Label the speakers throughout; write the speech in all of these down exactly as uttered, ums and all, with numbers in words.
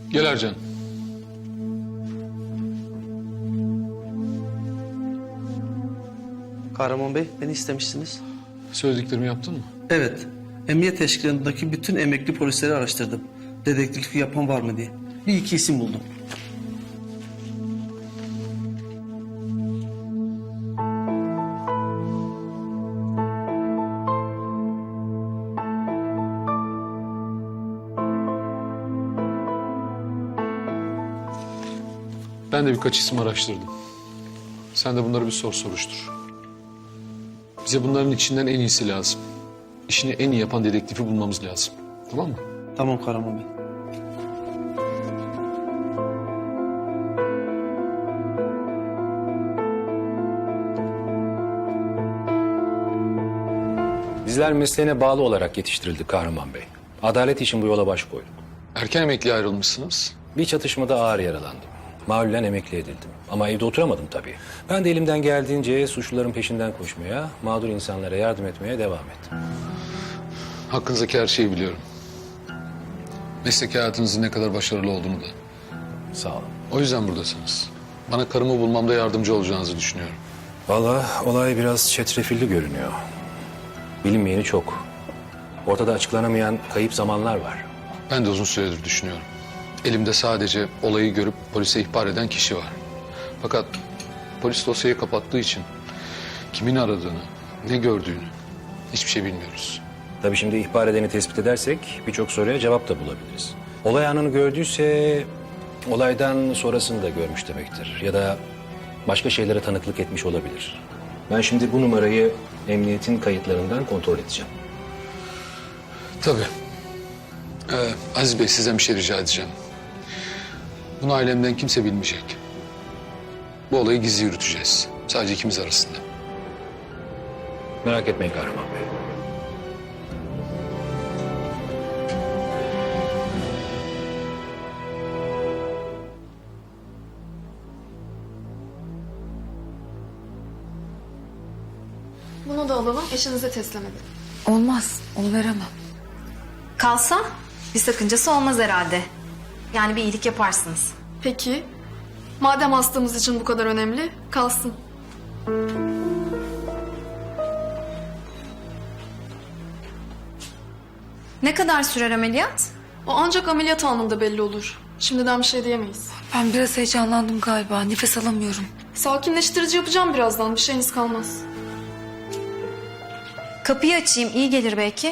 Speaker 1: Gel Ercan.
Speaker 2: Kahraman Bey, beni istemişsiniz.
Speaker 1: Söylediklerimi yaptın mı?
Speaker 2: Evet, emniyet teşkilatındaki bütün emekli polisleri araştırdım. Dedektiflik yapan var mı diye. Bir iki isim buldum.
Speaker 1: Ben de birkaç isim araştırdım. Sen de bunları bir sor soruştur. Bize bunların içinden en iyisi lazım. İşini en iyi yapan dedektifi bulmamız lazım. Tamam mı?
Speaker 2: Tamam Kahraman Bey.
Speaker 3: Bizler mesleğine bağlı olarak yetiştirildik Kahraman Bey. Adalet için bu yola baş koyduk.
Speaker 1: Erken emekliye ayrılmışsınız.
Speaker 3: Bir çatışmada ağır yaralandım. Mahallen emekli edildim. Ama evde oturamadım tabii. Ben de elimden geldiğince suçluların peşinden koşmaya, mağdur insanlara yardım etmeye devam ettim.
Speaker 1: Hakkınızdaki her şeyi biliyorum. Meslek hayatınızın ne kadar başarılı olduğunu da.
Speaker 3: Sağ olun.
Speaker 1: O yüzden buradasınız. Bana karımı bulmamda yardımcı olacağınızı düşünüyorum.
Speaker 3: Vallahi olay biraz çetrefilli görünüyor. Bilinmeyeni çok. Ortada açıklanamayan kayıp zamanlar var.
Speaker 1: Ben de uzun süredir düşünüyorum. Elimde sadece olayı görüp polise ihbar eden kişi var. Fakat polis dosyayı kapattığı için kimin aradığını, ne gördüğünü hiçbir şey bilmiyoruz.
Speaker 3: Tabii şimdi ihbar edeni tespit edersek birçok soruya cevap da bulabiliriz. Olay anını gördüyse olaydan sonrasını da görmüş demektir. Ya da başka şeylere tanıklık etmiş olabilir. Ben şimdi bu numarayı emniyetin kayıtlarından kontrol edeceğim.
Speaker 1: Tabii. Ee, Aziz Bey, sizden bir şey rica edeceğim. Bunu ailemden kimse bilmeyecek. Bu olayı gizli yürüteceğiz. Sadece ikimiz arasında.
Speaker 3: Merak etmeyin Kahraman Bey.
Speaker 4: Bunu da alalım, eşinize teslim edin.
Speaker 5: Olmaz, onu veremem.
Speaker 6: Kalsa bir sakıncası olmaz herhalde. Yani bir iyilik yaparsınız.
Speaker 4: Peki, madem hastamız için bu kadar önemli, kalsın.
Speaker 6: Ne kadar sürer ameliyat?
Speaker 4: O ancak ameliyat anında belli olur. Şimdiden bir şey diyemeyiz.
Speaker 5: Ben biraz heyecanlandım galiba, nefes alamıyorum.
Speaker 4: Sakinleştirici yapacağım birazdan, bir şeyiniz kalmaz.
Speaker 6: Kapıyı açayım, iyi gelir belki.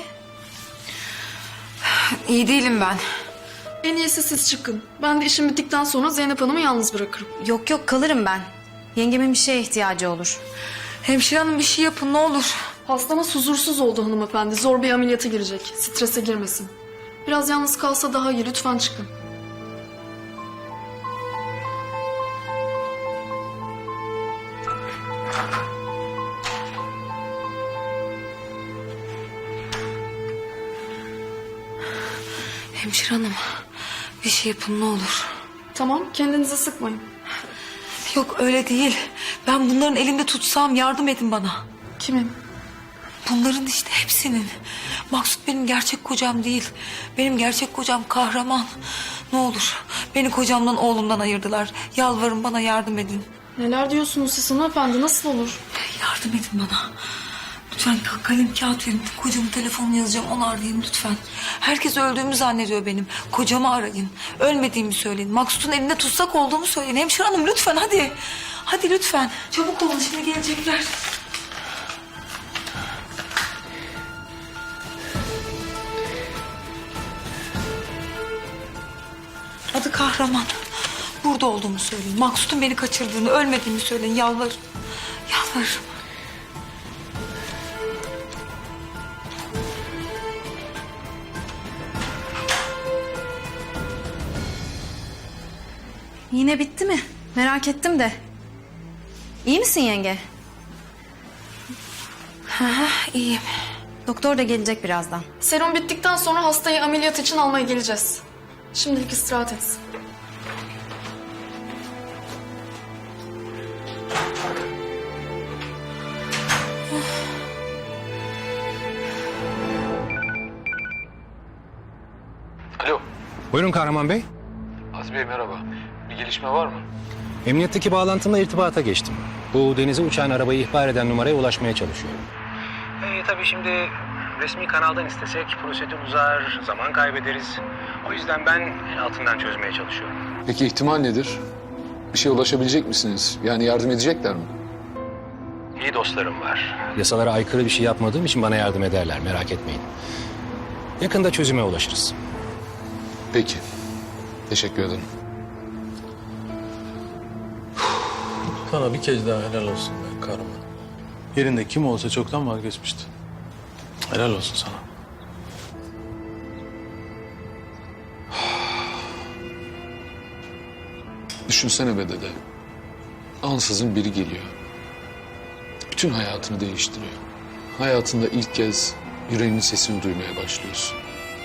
Speaker 5: İyi değilim ben.
Speaker 4: En iyisi siz çıkın. Ben de işim bittikten sonra Zeynep Hanım'ı yalnız bırakırım.
Speaker 6: Yok yok, kalırım ben. Yengemin bir şeye ihtiyacı olur.
Speaker 5: Hemşire hanım bir şey yapın ne olur.
Speaker 4: Hastamız huzursuz oldu hanımefendi. Zor bir ameliyata girecek. Strese girmesin. Biraz yalnız kalsa daha iyi. Lütfen çıkın.
Speaker 5: Hemşire hanım bir şey yapın ne olur.
Speaker 4: Tamam, kendinizi sıkmayın.
Speaker 5: Yok öyle değil. Ben bunların elinde tutsam yardım edin bana.
Speaker 4: Kimin?
Speaker 5: Bunların işte hepsinin. Maksut benim gerçek kocam değil. Benim gerçek kocam Kahraman. Ne olur beni kocamdan oğlumdan ayırdılar. Yalvarın bana yardım edin.
Speaker 4: Neler diyorsunuz siz hanımefendi? Nasıl olur?
Speaker 5: Yardım edin bana. Lütfen kalem kağıt verin. Kocamın telefonunu yazacağım onu arayın lütfen. Herkes öldüğümü zannediyor benim. Kocamı arayın. Ölmediğimi söyleyin. Maksut'un elinde tutsak olduğumu söyleyin. Hemşire hanım lütfen hadi. Hadi lütfen. Çabuk olun şimdi gelecekler. Adı Kahraman. Burada olduğumu söyleyin. Maksut'un beni kaçırdığını, ölmediğimi söyleyin. Yalvarırım. Yalvarırım.
Speaker 6: Yine bitti mi? Merak ettim de. İyi misin yenge?
Speaker 5: Ha, iyiyim.
Speaker 6: Doktor da gelecek birazdan.
Speaker 4: Serum bittikten sonra hastayı ameliyat için almaya geleceğiz. Şimdilik istirahat etsin.
Speaker 1: Alo.
Speaker 3: Buyurun Kahraman Bey.
Speaker 1: Aziz Bey merhaba. Bir gelişme var mı?
Speaker 3: Emniyetteki bağlantımla irtibata geçtim. Bu denize uçan arabayı ihbar eden numaraya ulaşmaya çalışıyorum. Ee, tabii şimdi resmi kanaldan istesek prosedür uzar, zaman kaybederiz. O yüzden ben altından çözmeye çalışıyorum.
Speaker 1: Peki ihtimal nedir? Bir şeye ulaşabilecek misiniz? Yani yardım edecekler mi?
Speaker 3: İyi dostlarım var. Yasalara aykırı bir şey yapmadığım için bana yardım ederler, merak etmeyin. Yakında çözüme ulaşırız.
Speaker 1: Peki. Teşekkür ederim.
Speaker 7: Sana bir kez daha helal olsun be Kahraman. Yerinde kim olsa çoktan vazgeçmişti. Helal olsun sana.
Speaker 1: Düşünsene be dede. Ansızın biri geliyor. Bütün hayatını değiştiriyor. Hayatında ilk kez yüreğinin sesini duymaya başlıyorsun.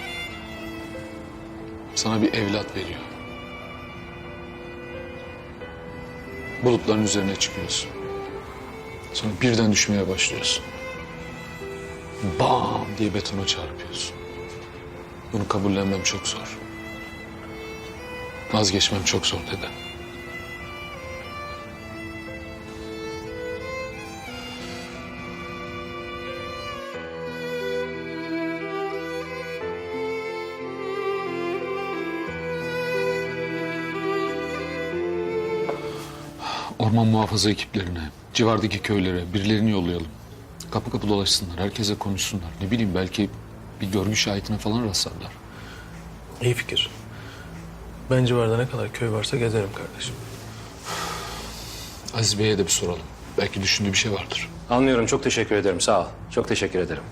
Speaker 1: Sana bir evlat veriyor. Bulutların üzerine çıkıyorsun. Sonra birden düşmeye başlıyorsun. Bam diye betona çarpıyorsun. Bunu kabullenmem çok zor. Vazgeçmem çok zor dede. Orman muhafaza ekiplerine, civardaki köylere birilerini yollayalım. Kapı kapı dolaşsınlar, herkese konuşsunlar. Ne bileyim belki bir görgü şahitine falan rastlarlar.
Speaker 7: İyi fikir. Ben civarda ne kadar köy varsa gezerim kardeşim.
Speaker 1: Aziz Bey'e de bir soralım. Belki düşündüğü bir şey vardır.
Speaker 3: Anlıyorum, çok teşekkür ederim, sağ ol. Çok teşekkür ederim.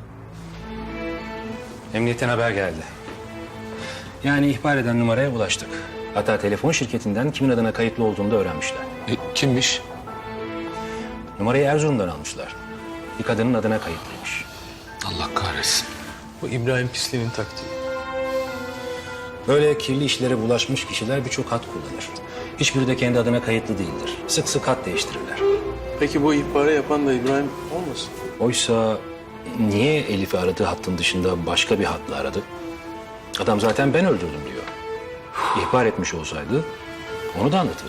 Speaker 3: Emniyetten haber geldi. Yani ihbar eden numaraya ulaştık. Hatta telefon şirketinden kimin adına kayıtlı olduğunu da öğrenmişler.
Speaker 1: E, kimmiş?
Speaker 3: Numarayı Erzurum'dan almışlar. Bir kadının adına kayıtlıymış.
Speaker 1: Allah kahretsin.
Speaker 7: Bu İbrahim pisliğinin taktiği.
Speaker 3: Böyle kirli işlere bulaşmış kişiler birçok hat kullanır. Hiçbiri de kendi adına kayıtlı değildir. Sık sık hat değiştirirler.
Speaker 7: Peki bu ihbarı yapan da İbrahim olmasın?
Speaker 3: Oysa niye Elif'i aradığı hattın dışında başka bir hatla aradı? Adam zaten ben öldürdüm diyor. İhbar etmiş olsaydı onu da anlatırdı.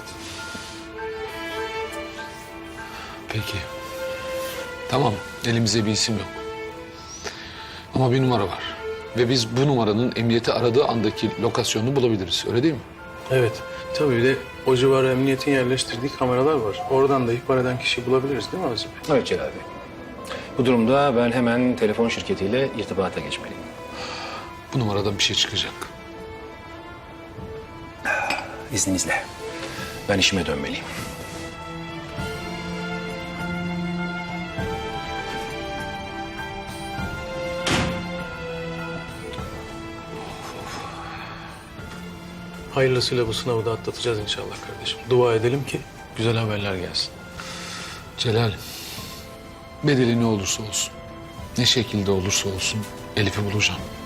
Speaker 1: Peki. Tamam, elimizde bir isim yok. Ama bir numara var. Ve biz bu numaranın emniyeti aradığı andaki lokasyonunu bulabiliriz. Öyle değil mi?
Speaker 7: Evet. Tabii bir de o civara emniyetin yerleştirdiği kameralar var. Oradan da ihbar eden kişiyi bulabiliriz değil mi Aziz Bey?
Speaker 3: Evet Celal Bey. Bu durumda ben hemen telefon şirketiyle irtibata geçmeliyim.
Speaker 1: Bu numaradan bir şey çıkacak.
Speaker 3: İzninizle. Ben işime dönmeliyim.
Speaker 7: Hayırlısıyla bu sınavı da atlatacağız inşallah kardeşim. Dua edelim ki güzel haberler gelsin.
Speaker 1: Celal, bedeli ne olursa olsun, ne şekilde olursa olsun Elif'i bulacağım.